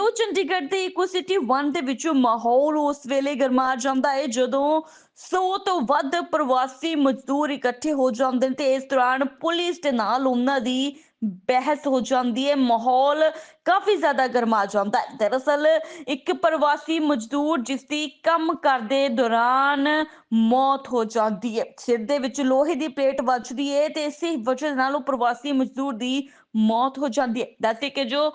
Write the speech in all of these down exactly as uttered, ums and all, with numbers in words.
New Chandigarh ਦੇ ਇਕੋ city one ਦੇ ਵਿੱਚੋਂ ਮਾਹੌਲ ਉਸ ਵੇਲੇ ਗਰਮਾ ਜਾਂਦਾ ਹੈ ਜਦੋਂ ਸੌ ਤੋਂ ਵੱਧ ਪ੍ਰਵਾਸੀ ਮਜ਼ਦੂਰ ਇਕੱਠੇ ਹੋ ਜਾਂਦੇ ਨੇ ਤੇ ਇਸ ਦੌਰਾਨ ਪੁਲਿਸ ਦੇ ਨਾਲ ਉਹਨਾਂ ਦੀ ਬਹਿਸ ਹੋ ਜਾਂਦੀ ਹੈ। ਮਾਹੌਲ ਕਾਫੀ ਜ਼ਿਆਦਾ ਗਰਮਾ ਜਾਂਦਾ ਹੈ। ਦਰਅਸਲ ਇੱਕ ਪ੍ਰਵਾਸੀ ਮਜ਼ਦੂਰ ਜਿਸ ਦੀ ਕੰਮ ਕਰਦੇ ਦੌਰਾਨ ਮੌਤ ਹੋ ਜਾਂਦੀ ਹੈ। ਸਿਰ ਦੇ ਵਿੱਚ ਲੋਹੇ ਦੀ ਪਲੇਟ ਵੱਜਦੀ ਹੈ ਤੇ ਇਸੇ ਵਜ੍ਹਾ ਨਾਲ ਉਹ ਪ੍ਰਵਾਸੀ ਮਜ਼ਦੂਰ ਦੀ ਮੌਤ ਹੋ ਜਾਂਦੀ ਹੈ। ਦੱਸੇ ਕਿ ਜੋ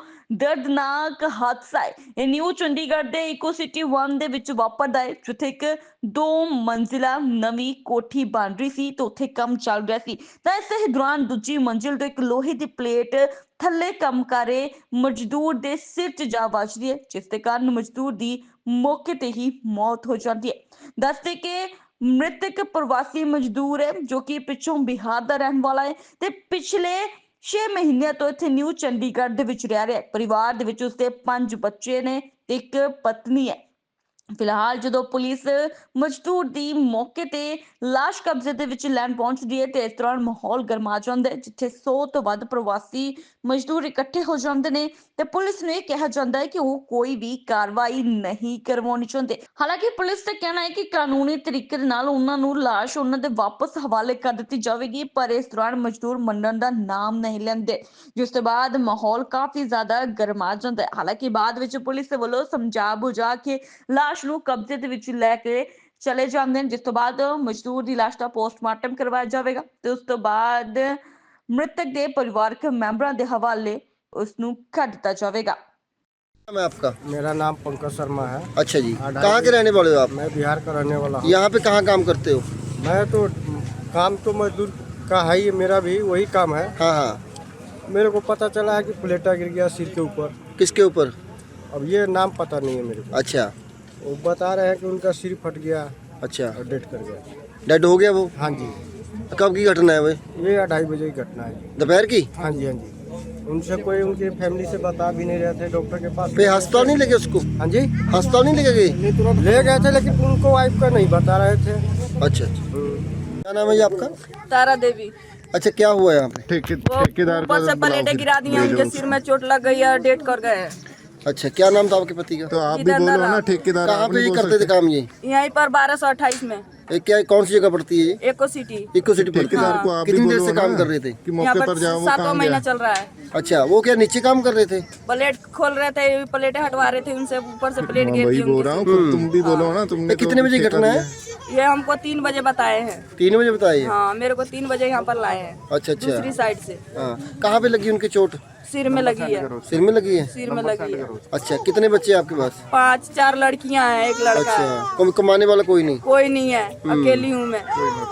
ਦਰਦਨਾਕ ਹਾਦਸਾ ਹੈ ਇਹ ਨਿਊ ਚੰਡੀਗੜ੍ਹ ਦੇ ਇਕੋ ਸਿਟੀ वन ਦੇ ਵਿੱਚ ਵਾਪਰਦਾ ਹੈ, ਜਿੱਥੇ ਇੱਕ ਦੋ ਮੰਜ਼ਿਲਾ ਨਵੀਂ ਕੋਠੀ ਬਣ ਰਹੀ ਸੀ ਤੇ ਉੱਥੇ ਕੰਮ ਚੱਲ ਰਿਹਾ ਸੀ ਤਾਂ ਇਸੇ ਦੌਰਾਨ ਦੂਜੀ ਮੰਜ਼ਿਲ ਤੋਂ ਇੱਕ ਲੋਹੇ ਦੀ ਪਲੇਟ ਥੱਲੇ ਕੰਮ ਕਰ ਰਹੇ ਮਜ਼ਦੂਰ ਦੇ ਸਿਰ 'ਚ ਜਾ ਵੱਜਦੀ ਹੈ, ਜਿਸ ਦੇ ਕਾਰਨ ਮਜ਼ਦੂਰ ਦੀ ਮੌਕੇ ਤੇ ਹੀ ਮੌਤ ਹੋ ਜਾਂਦੀ ਹੈ। ਦੱਸਦੇ ਕਿ ਮ੍ਰਿਤਕ ਪ੍ਰਵਾਸੀ ਮਜ਼ਦੂਰ ਹੈ ਜੋ ਕਿ ਪਿੱਛੋਂ ਬਿਹਾਰ ਦਾ ਰਹਿਣ ਵਾਲਾ ਹੈ ਤੇ ਪਿਛਲੇ ਛੇ ਮਹੀਨਿਆਂ ਤੋਂ ਇੱਥੇ ਨਿਊ ਚੰਡੀਗੜ੍ਹ ਦੇ ਵਿੱਚ ਰਹਿ ਰਿਹਾ ਹੈ। ਪਰਿਵਾਰ ਦੇ ਵਿੱਚ ਉਸਦੇ ਪੰਜ ਬੱਚੇ ਨੇ ਤੇ ਇੱਕ ਪਤਨੀ ਹੈ। ਫਿਲਹਾਲ ਜਦੋਂ ਪੁਲਿਸ ਮਜ਼ਦੂਰ ਦੀ ਮੌਕੇ ਤੇ ਲਾਸ਼ ਕਬਜ਼ੇ ਦੇ ਵਿੱਚ ਲੈਣ ਪਹੁੰਚਦੀ ਹੈ ਤੇ ਇਸ ਦੌਰਾਨ ਮਾਹੌਲ ਗਰਮਾ ਜਾਂਦਾ ਹੈ, ਜਿੱਥੇ ਸੌ ਤੋਂ ਵੱਧ ਪ੍ਰਵਾਸੀ ਮਜ਼ਦੂਰ ਇਕੱਠੇ ਹੋ ਜਾਂਦੇ ਨੇ ਤੇ ਪੁਲਿਸ ਨੂੰ ਇਹ ਕਿਹਾ ਜਾਂਦਾ ਹੈ ਕਿ ਉਹ ਕੋਈ ਵੀ ਕਾਰਵਾਈ ਨਹੀਂ ਕਰਵਾਉਣੀ ਚਾਹੁੰਦੇ। ਹਾਲਾਂਕਿ ਪੁਲਿਸ ਦਾ ਕਹਿਣਾ ਹੈ ਕਿ ਕਾਨੂੰਨੀ ਤਰੀਕੇ ਦੇ ਨਾਲ ਉਹਨਾਂ ਨੂੰ ਲਾਸ਼ ਉਹਨਾਂ ਦੇ ਵਾਪਸ ਹਵਾਲੇ ਕਰ ਦਿੱਤੀ ਜਾਵੇਗੀ, ਪਰ ਇਸ ਦੌਰਾਨ ਮਜ਼ਦੂਰ ਮੰਨਣ ਦਾ ਨਾਮ ਨਹੀਂ ਲੈਂਦੇ, ਜਿਸ ਤੋਂ ਬਾਅਦ ਮਾਹੌਲ ਕਾਫੀ ਜ਼ਿਆਦਾ ਗਰਮਾ ਜਾਂਦਾ ਹੈ। ਹਾਲਾਂਕਿ ਬਾਅਦ ਵਿੱਚ ਪੁਲਿਸ ਦੇ ਵੱਲੋਂ ਸਮਝਾ ਬੁਝਾ ਕੇ ਲਾਸ਼ ਨੂੰ ਕਬਜ਼ੇ ਦੇ ਵਿੱਚ ਲੈ ਕੇ ਚਲੇ ਜਾਂਦੇ ਨੇ, ਜਿਸ ਤੋਂ ਬਾਅਦ ਮਜ਼ਦੂਰ ਦੀ ਲਾਸ਼ ਦਾ ਪੋਸਟਮਾਰਟਮ ਕਰਵਾਇਆ ਜਾਵੇਗਾ ਤੇ ਉਸ ਤੋਂ ਬਾਅਦ ਮ੍ਰਿਤਕ ਦੇ ਪਰਿਵਾਰਕ ਮੈਂਬਰਾਂ ਦੇ ਹਵਾਲੇ ਉਸ ਨੂੰ ਕਰ ਦਿੱਤਾ ਜਾਵੇਗਾ। नाम है आपका? मेरा नाम पंकज शर्मा है। अच्छा जी, कहाँ के रहने वाले हो आप? मैं बिहार का रहने वाला हूँ। यहाँ पे कहाँ काम करते हो? मैं तो काम तो मजदूर का है ही, मेरा भी वही काम है। हाँ हाँ। मेरे को पता चला है कि प्लेटा गिर गया सिर के ऊपर। किसके ऊपर? अब ये नाम पता नहीं है मेरे को। अच्छा। वो बता रहे हैं कि उनका सिर फट गया अच्छा, और डेथ कर गया। डेड हो गया वो? हाँ जी। कब की घटना है भाई? ये अढ़ाई बजे की घटना है। दोपहर की? हाँ जी हाँ जी। उनसे कोई उनकी फैमिली से बता भी नहीं रहे थे डॉक्टर के पास। पे अस्पताल नहीं लेके उसको? हाँ जी, अस्पताल नहीं लेके गए? नहीं तुरंत ले गए थे, लेकिन उनको वाइफ का नहीं बता रहे थे। अच्छा अच्छा। क्या नाम है ये आपका? तारा देवी। अच्छा, क्या हुआ है यहाँ पे? ठेके वो ठेकेदार ऊपर से प्लेटें गिरा दी हैं, मुझे सिर में चोट लग गई है, डेट कर गए हैं। अच्छा, क्या नाम था आपके पति का? तो आप भी इधर बोलो दरा। ना, ठेकेदार कहाँ आप पे नहीं ये बोल करते थे सकते। काम ये? यहीं पर बारह सौ अट्ठाईस में ये क्या कौन सी जगह पड़ती है ये? एको सिटी। इको सिटी पड़ती ठेकेदार है। को आप भी कितनी देर बोलो से काम ना कर रहे थे? कि यहाँ मौके पर पर जाओ, वो सातवां कहाँ महीना गया? चल रहा है। अच्छा, वो क्या नीचे काम कर रहे थे? प्लेट खोल रहे थे, प्लेटें हटवा रहे थे उनसे, ऊपर से प्लेट मैं गिर वही दी बोल उनकी रहा हूँ, सिर फिर तुम भी बोलो ना, तुमने ये कितने तो बजे ठेका घटना दिया। है? पे। ये हमको तीन बजे बताए हैं। तीन बजे बताइए। हाँ, मेरे को तीन बजे यहाँ पर लाए हैं अच्छा अच्छा। दूसरी साइड से। हाँ, कहाँ पे लगी उनकी चोट? सिर में लगी है, सिर में लगी है? सिर में लगी है। अच्छा, कितने बच्चे हैं आपके पास? पांच चार लड़कियां हैं, एक लड़का है। अच्छा, कम कमाने वाला कोई नहीं? कोई नहीं है, अकेली हूँ मैं।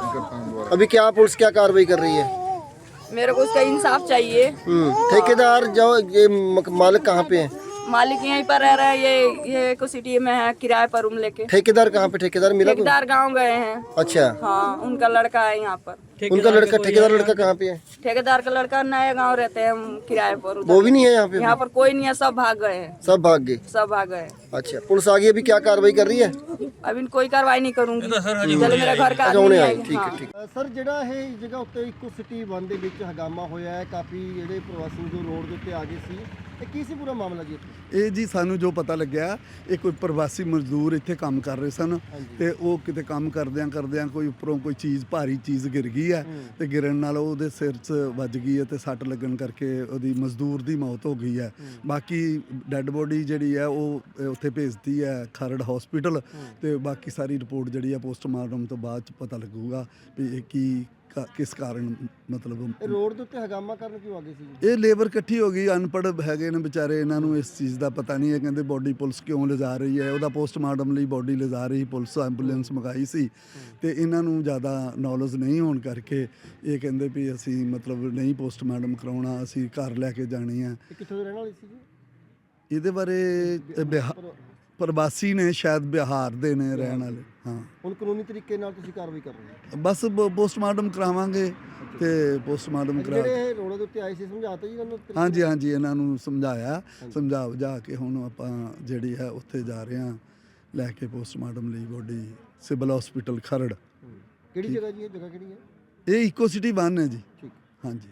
अभी क्या पुलिस क्या कार्रवाई कर रही है? मेरे को उसका इंसाफ चाहिए। हम्म, ठेकेदार जो ये मक- मालिक कहाँ पे है? मालिक यहीं पर रह रहा है, ये ये एको सिटी में है, किराए पर रूम लेके। ठेकेदार कहाँ पे? ठेकेदार मिला कोई? ठेकेदार गांव गए हैं। अच्छा, हाँ, उनका लड़का है यहाँ पर। उनका लड़का ठेकेदार लड़का कहाँ पे है? ठेकेदार का लड़का नए गांव रहते हैं, हम किराए पर उधर। वो भी नहीं है यहाँ पे? यहाँ पर कोई नहीं है, सब भाग गए हैं, सब भाग गए? सब भाग गए। अच्छा, पुलिस आ गई, अभी क्या कार्रवाई कर रही है? अभी कोई कार्रवाई नहीं करूंगी, चलो मेरे घर का अच्छा, आदमी ਹੁਣੇ नहीं ਆਏ, आएगा। ਠੀਕ ਹੈ हाँ। ਠੀਕ ਹੈ। ਸਰ, ਜਿਹੜਾ ਇਹ ਜਗ੍ਹਾ ਉੱਤੇ ਇਕੋ ਸਿਟੀ वन ਦੇ ਵਿੱਚ ਹਗਾਮਾ ਹੋਇਆ ਹੈ, ਕਾਫੀ ਜਿਹੜੇ ਪ੍ਰਵਾਸੀ ਜੋ ਰੋਡ ਦੇ ਉੱਤੇ ਆ ਗਏ ਸੀ, ਇਹ ਕੀ ਸੀ ਪੂਰਾ ਮਾਮਲਾ ਜੀ ਇੱਥੇ? ਇਹ ਜੀ ਸਾਨੂੰ ਜੋ ਪਤਾ ਲੱਗਿਆ, ਇਹ ਕੋਈ ਪ੍ਰਵਾਸੀ ਮਜ਼ਦੂਰ ਇੱਥੇ ਕੰਮ ਕਰ ਰਹੇ ਸਨ ਤੇ ਉਹ ਕਿਤੇ ਕੰਮ ਕਰਦਿਆਂ ਕਰਦਿਆਂ ਕੋਈ ਉੱਪਰੋਂ ਕੋਈ ਚੀਜ਼ ਭਾਰੀ ਚੀਜ਼ ਗਿਰ ਗਈ ਹੈ ਤੇ ਗਿਰਨ ਨਾਲ ਉਹਦੇ ਸਿਰ 'ਚ ਵੱਜ ਗਈ ਹੈ ਤੇ ਸੱਟ ਲੱਗਣ ਕਰਕੇ ਉਹਦੀ ਮਜ਼ਦੂਰ ਦੀ ਮੌਤ ਹੋ ਗਈ ਹੈ। ਬਾਕੀ ਡੈੱਡ ਬੋਡੀ ਜਿਹੜੀ ਹੈ ਉਹ ਉੱਥੇ ਭੇਜਤੀ ਹੈ ਖਰੜ ਹਸਪੀਟਲ ਤੇ ਬਾਕੀ ਸਾਰੀ ਰਿਪੋਰਟ ਜਿਹੜੀ ਹੈ ਪੋਸਟਮਾਰਟਮ ਤੋਂ ਬਾਅਦ 'ਚ ਪਤਾ ਲੱਗੂਗਾ ਵੀ ਇਹ ਕੀ ਕਾ- ਕਿਸ ਕਾਰਨ ਮਤਲਬ ਇਹ ਰੋਡ ਦੇ ਉੱਤੇ ਹਗਾਮਾ ਕਰਨ ਕਿਉਂ ਆ ਗਏ ਸੀ ਜੀ? ਇਹ ਲੇਬਰ ਇਕੱਠੀ ਹੋ ਗਈ, ਅਨਪੜ੍ਹ ਹੈਗੇ ਨੇ ਵਿਚਾਰੇ, ਇਹਨਾਂ ਨੂੰ ਇਸ ਚੀਜ਼ ਦਾ ਪਤਾ ਨਹੀਂ ਹੈ। ਕਹਿੰਦੇ ਬੋਡੀ ਪੁਲਿਸ ਕਿਉਂ ਲਿਜਾ ਰਹੀ ਹੈ, ਉਹਦਾ ਪੋਸਟਮਾਰਟਮ ਲਈ ਬੋਡੀ ਲਿਜਾ ਰਹੀ ਪੁਲਿਸ, ਐਂਬੂਲੈਂਸ ਮੰਗਾਈ ਸੀ ਤੇ ਇਹਨਾਂ ਨੂੰ ਜ਼ਿਆਦਾ ਨੌਲੇਜ ਨਹੀਂ ਹੋਣ ਕਰਕੇ ਇਹ ਕਹਿੰਦੇ ਵੀ ਅਸੀਂ ਮਤਲਬ ਨਹੀਂ ਪੋਸਟਮਾਰਟਮ ਕਰਾਉਣਾ, ਅਸੀਂ ਘਰ ਲੈ ਕੇ ਜਾਣੀ ਹੈ। ਇਹ ਕਿੱਥੋਂ ਦੇ ਰਹਿਣ ਵਾਲੇ ਸੀ ਜੀ? ਇਹਦੇ ਬਾਰੇ ਇਹ ਬਿਹਾ ਪ੍ਰਵਾਸੀ ਨੇ, ਸ਼ਾਇਦ ਬਿਹਾਰ ਦੇ ਨੇ ਰਹਿਣ ਵਾਲੇ। ਹਾਂ, ਹੁਣ ਕਾਨੂੰਨੀ ਤਰੀਕੇ ਨਾਲ ਤੁਸੀਂ ਕਾਰਵਾਈ ਕਰ ਰਹੇ ਹੋ? ਬਸ ਪੋਸਟਮਾਰਟਮ ਕਰਾਵਾਂਗੇ ਤੇ ਪੋਸਟਮਾਰਟਮ ਕਰਾ ਜਿਹੜੇ ਇਹ ਰੋਡ ਦੇ ਉੱਤੇ ਆਏ ਸੀ, ਸਮਝਾਤਾ ਜੀ ਉਹਨਾਂ ਨੂੰ? ਹਾਂਜੀ ਹਾਂਜੀ, ਇਹਨਾਂ ਨੂੰ ਸਮਝਾਇਆ, ਸਮਝਾ ਬੁਝਾ ਕੇ ਹੁਣ ਆਪਾਂ ਜਿਹੜੀ ਹੈ ਉੱਥੇ ਜਾ ਰਹੇ ਹਾਂ ਲੈ ਕੇ ਪੋਸਟਮਾਰਟਮ ਲਈ ਬੋਡੀ ਸਿਵਲ ਹਸਪੀਟਲ ਖਰੜ। ਕਿਹੜੀ ਜਗ੍ਹਾ ਜੀ? ਇਹ ਜਗ੍ਹਾ ਕਿਹੜੀ ਹੈ? ਇਹ ਇਕੋ ਸਿਟੀ वन ਹੈ ਜੀ। ਠੀਕ। ਹਾਂਜੀ।